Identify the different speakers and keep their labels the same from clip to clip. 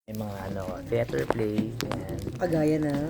Speaker 1: May mga theater play, yan.
Speaker 2: Kagaya ng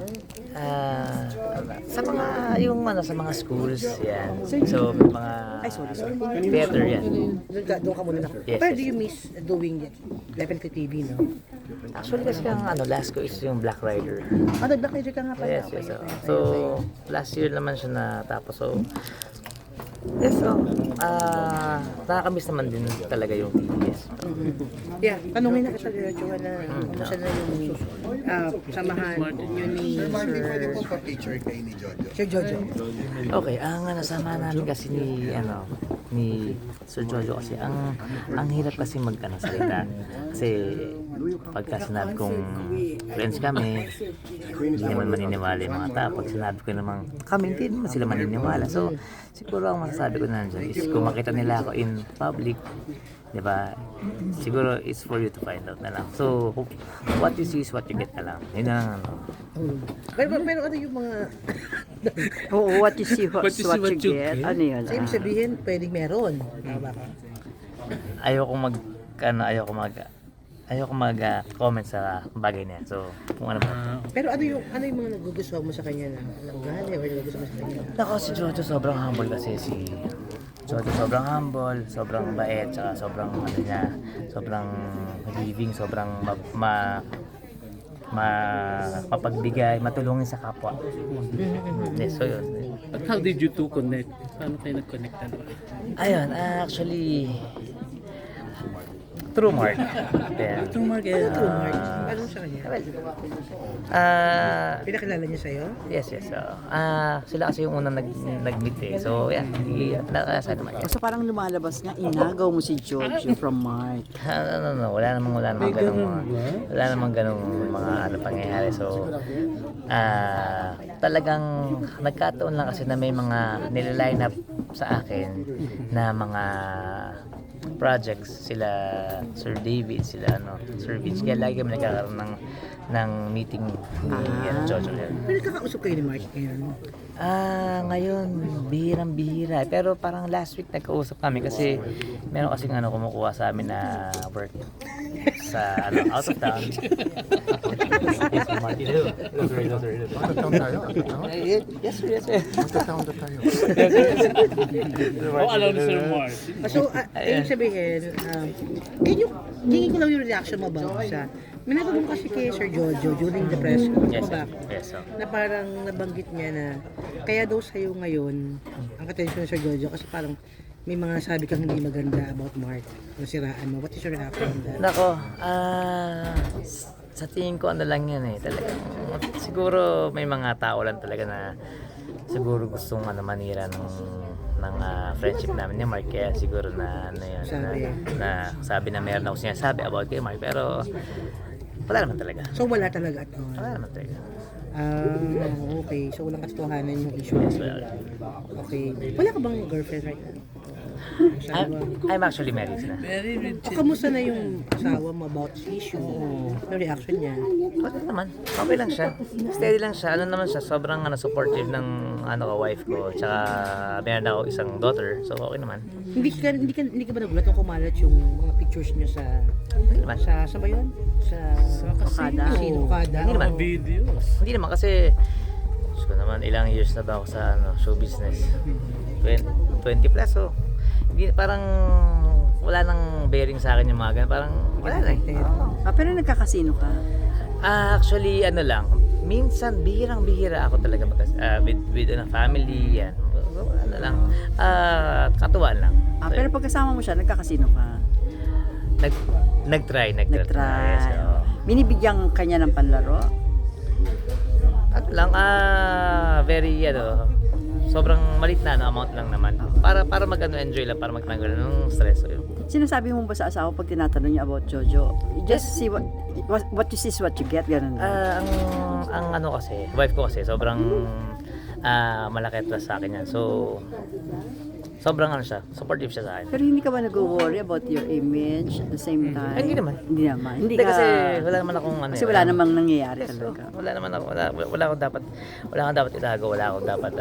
Speaker 1: Sa mga, sa mga schools, yan. So, may mga
Speaker 2: sorry.
Speaker 1: theater, yan.
Speaker 2: Doon ka muna na.
Speaker 1: Yes,
Speaker 2: Pero
Speaker 1: yes.
Speaker 2: do you miss doing definitely TV, no?
Speaker 1: Actually, kasi ang last ko is yung Black Rider.
Speaker 2: Nag-Black Magic ka nga pala.
Speaker 1: Yes, yes. So, last year naman siya natapos. So, yes, nakakamiss naman din talaga yung TVS.
Speaker 2: Yeah, tanungin na kita, Jowa, na kumusta na yung samahan yun ni
Speaker 3: Picture kay ni Jojo.
Speaker 2: Sir Jojo.
Speaker 1: Okay, ang nasama namin kasi ni Sir Jojo kasi ang hirap kasi salita. Kasi pagka sinabi kong friends kami, hindi naman maniniwala yung mga tao. Pag sinabi ko namang kami, hindi naman sila maniniwala. So, siguro ang masasabi ko na dyan is kung makita nila ako in public, di ba? Siguro it's for you to find out na lang. So, what you see is what you get na lang. Yun na lang.
Speaker 2: Pero ano yung mga
Speaker 4: Oo, what you see, what you get. Ano yun?
Speaker 2: sa ibig sabihin, pwedeng meron. Tama ba?
Speaker 1: Ayoko mag-comment sa bagay niya. So, kung ano ba.
Speaker 2: Pero ano yung mga nagugustuhan mo sa kanya na ugali or nagugustuhan mo sa kanya?
Speaker 1: Nako, si Jojo sobrang humble kasi Jojo sobrang humble, sobrang bait, saka sobrang sobrang giving, sobrang mapagbigay, matulungin sa kapwa. Yes, so yun.
Speaker 5: But how did you two connect? Paano kayo nag-connect?
Speaker 1: Ayun, actually, through Mark. Yeah.
Speaker 5: True Mark,
Speaker 2: True Mark. Ano sa kanya? Pinakilala niya sa'yo?
Speaker 1: Yes. Sila kasi yung unang nag-meet eh. So, yan. Nakasa naman yan.
Speaker 4: So parang lumalabas nga, inagaw mo si George from Mark.
Speaker 1: No. Wala namang ganung mga pangyayari. So, talagang nagkataon lang kasi na may mga nililine up sa akin na mga projects sila Sir David, sila Sir Vince. Kaya lagi kami nagkakaroon ng meeting ni Jojo.
Speaker 2: Pero nagkakausap kayo ni Mark ngayon?
Speaker 1: Ngayon bihirang-bihira. Pero parang last week nagkausap kami kasi meron kasing kumukuha sa amin na work sa out of town. Yes, Martin.
Speaker 3: Magta-town tayo.
Speaker 1: Yes, sir.
Speaker 3: Magta-town na tayo.
Speaker 5: alam ni Sir Mark.
Speaker 2: So, ayun sabihin, hingin ko lang yung reaction mo ba sa may natanong kasi kay Sir Jojo during the press
Speaker 1: Yes,
Speaker 2: conference
Speaker 1: yes.
Speaker 2: na parang nabanggit niya na kaya daw sa'yo ngayon ang attention ni Sir Jojo kasi parang may mga sabi kang hindi maganda about Mark nasiraan mo. What is your reaction on that?
Speaker 1: Nako, sa tingin ko lang yan eh. Talagang, siguro may mga tao lang talaga na siguro gustong manira ng friendship namin ni Mark. Kaya siguro na sabi na meron ako sinasabi about kay Mark. Pero wala naman talaga.
Speaker 2: So wala talaga at all?
Speaker 1: Wala naman talaga.
Speaker 2: Okay. So walang katotohanan yung issue.
Speaker 1: Yes, wala.
Speaker 2: Okay. Wala ka bang girlfriend right now?
Speaker 1: I'm actually married na.
Speaker 2: O kamusta na yung asawa mo about this issue? Yung reaction niya?
Speaker 1: Okay naman. Okay lang siya. Steady lang siya. Naman siya. Sobrang supportive ng wife ko. Tsaka meron ako isang daughter. So okay naman.
Speaker 2: Hindi ka ba nagulat nung kumalat yung mga pictures niya sa
Speaker 1: naman.
Speaker 2: sa ba yun? Sa
Speaker 4: Okada.
Speaker 2: Okada.
Speaker 1: Hindi naman.
Speaker 5: Videos.
Speaker 1: Hindi naman kasi Diyos ko naman, ilang years na ba ako sa show business? 20 plus, so hindi, parang wala nang bearing sa akin yung mga ganun. Parang wala na eh.
Speaker 4: Pero nagkakasino ka.
Speaker 1: Actually, lang, minsan bihirang-bihira ako talaga with family, yan. Katuwaan lang.
Speaker 4: Pero pagkasama mo siya, nagkakasino ka.
Speaker 1: Nag-try.
Speaker 4: Nag-try.
Speaker 1: So,
Speaker 4: Binibigyan kanya ng panlaro.
Speaker 1: very sobrang malit na amount lang naman para enjoy lang, para magtanggal ng stress. So, yun.
Speaker 4: Sinasabi mo ba sa asawa pag tinatanong niya about Jojo? You just see what you see is what you get, ganun ba?
Speaker 1: Ang kasi, wife ko kasi sobrang malaki trust sa akin yan. So sobrang siya, supportive siya sa akin.
Speaker 4: Pero hindi ka ba nag-worry about your image at the same time?
Speaker 1: Hindi naman.
Speaker 4: Hindi
Speaker 1: Hindi
Speaker 4: ka,
Speaker 1: kasi wala naman akong
Speaker 4: kasi wala namang nangyayari talaga.
Speaker 1: Wala naman ako, wala akong dapat itago, wala akong dapat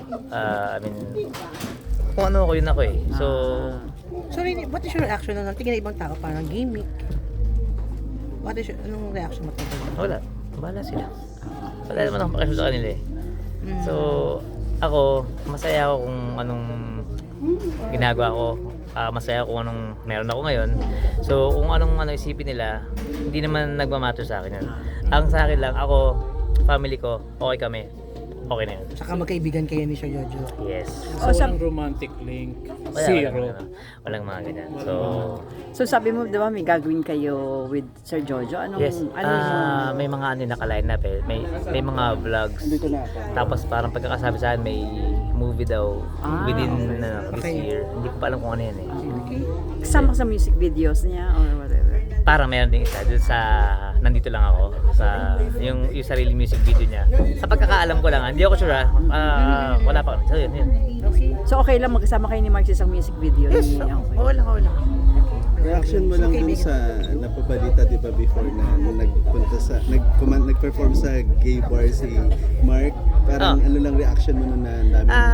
Speaker 1: kung ano ako yun ako eh. So
Speaker 2: So, what is your reaction na tingin ng ibang tao? Parang gimmick. Anong reaction mo?
Speaker 1: Wala. Bahala sila. Wala naman akong pakialam sa kanila eh. So, ako, masaya ako kung anong ginagawa ko. Masaya ako kung anong meron ako ngayon. So, kung anong isipin nila, hindi naman nagmamatter sa akin yun. Ang sa akin lang, ako, family ko, okay kami. Okay na yun.
Speaker 2: Saka magkaibigan kayo ni Sir Jojo.
Speaker 1: Yes.
Speaker 5: So, walang romantic link. Zero.
Speaker 1: Walang mga ganyan.
Speaker 4: So sabi mo, di ba, may gagawin kayo with Sir Jojo? Anong,
Speaker 1: Yes, may mga naka-line up eh. May mga vlogs. Tapos parang pagkakasabi sa akin, may movie daw within this year. Hindi ko pa alam kung ano yan eh.
Speaker 4: kasama sa music videos niya or whatever?
Speaker 1: Parang meron din isa dun sa nandito lang ako sa yung sarili music video niya. Sa pagkakaalam ko lang, hindi ako sure wala pa kami. So yun.
Speaker 4: So okay lang magkasama kayo ni Mark sa isang music video?
Speaker 1: Yes,
Speaker 4: Okay.
Speaker 1: wala.
Speaker 3: Reaction mo lang dun sa napabalita, di ba, before na nag-perform sa gay bar si Mark. Parang ano lang reaction mo nun na ang dami ng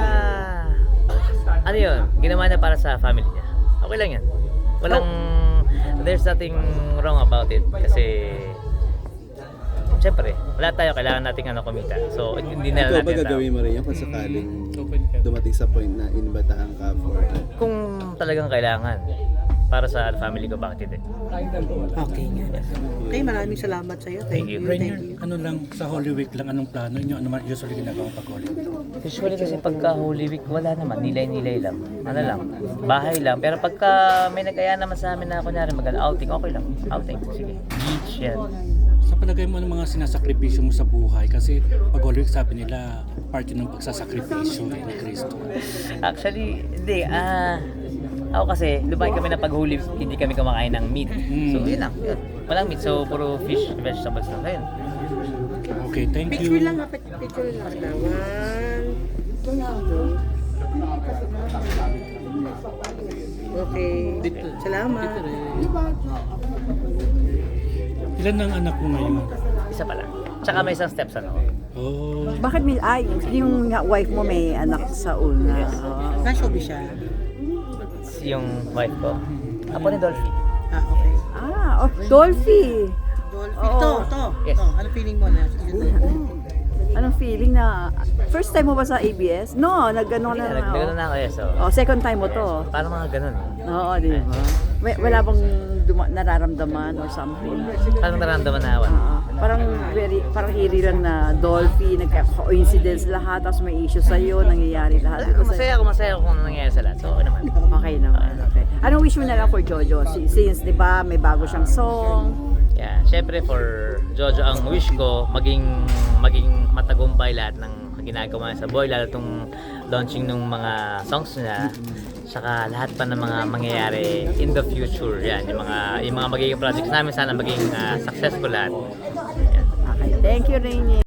Speaker 1: Ano yun? Ginawa niya para sa family niya. Okay lang yan. Walang, there's nothing wrong about it. Kasi, syempre, wala tayo. Kailangan nating kumita. So, hindi na
Speaker 3: Ikaw
Speaker 1: natin
Speaker 3: ba
Speaker 1: tao.
Speaker 3: gagawin mo rin yan kung sakaling
Speaker 5: Open ka.
Speaker 3: dumating sa point na inibatahan ka for
Speaker 1: Kung talagang kailangan para sa family ko, bakit hindi?
Speaker 2: Okay nga. Okay, maraming salamat sa iyo. Thank you. Thank
Speaker 5: Rainier,
Speaker 2: you.
Speaker 5: ano lang, sa Holy Week lang, anong plano nyo? Ano man usually ginagawa pag Holy Week?
Speaker 1: Usually kasi pagka Holy Week, wala naman. Nilay-nilay lang. Ano lang, bahay lang. Pero pagka may nag-aya naman sa amin na kunyari mag-outing, okay lang. Outing, sige. Beach yan.
Speaker 5: Sa palagay mo, ano mga sinasakripisyo mo sa buhay? Kasi pag Holy Week, sabi nila, part yun ng pagsasakripisyo ni Cristo.
Speaker 1: Actually, hindi. Ako kasi, lumaki kami na pag Holy Week, hindi kami kumakain ng meat. So, yun lang. Yun. Walang meat. So, puro fish, vegetables lang. Ayun.
Speaker 5: Okay, thank you.
Speaker 2: Picture lang ha. Picture lang. Okay. Salamat.
Speaker 5: Ilan ang anak mo ngayon?
Speaker 1: Isa pa lang. Tsaka may isang steps ako.
Speaker 5: Oh,
Speaker 4: Bakit yung wife mo may anak sa una?
Speaker 1: Yes.
Speaker 2: Nashowbiz siya.
Speaker 1: Yung wife ko. Apo ni Dolphy.
Speaker 2: Okay.
Speaker 4: Dolphy!
Speaker 2: Dolphy.
Speaker 4: Oo.
Speaker 2: To.
Speaker 1: Yes.
Speaker 2: Ano feeling mo na?
Speaker 4: Anong feeling na, first time mo ba sa ABS? No, nag-ano
Speaker 1: Hindi
Speaker 4: na.
Speaker 1: na, nagdagano na ako eh. So,
Speaker 4: Second time mo to.
Speaker 1: parang mga ganun.
Speaker 4: Oo, di ba? Wala bang nararamdaman or something?
Speaker 1: Parang naramdaman na ako.
Speaker 4: Parang eerie lang na Dolphy, nagka-coincidence lahat, tapos may issue sa'yo, nangyayari lahat. Di ba
Speaker 1: Masaya ako kung ano nangyayari sa lahat. So, okay naman.
Speaker 4: Okay naman, okay. Anong wish mo na lang for Jojo? Since, di ba, may bago siyang song.
Speaker 1: Yeah, syempre for Jojo ang wish ko maging matagumpay lahat ng ginagawa niya sa buhay, lalo tong launching ng mga songs niya, saka lahat pa ng mga mangyayari in the future. Yan, yung mga magiging projects namin sana maging successful lahat. Yan.
Speaker 4: Okay, thank you, Rainier.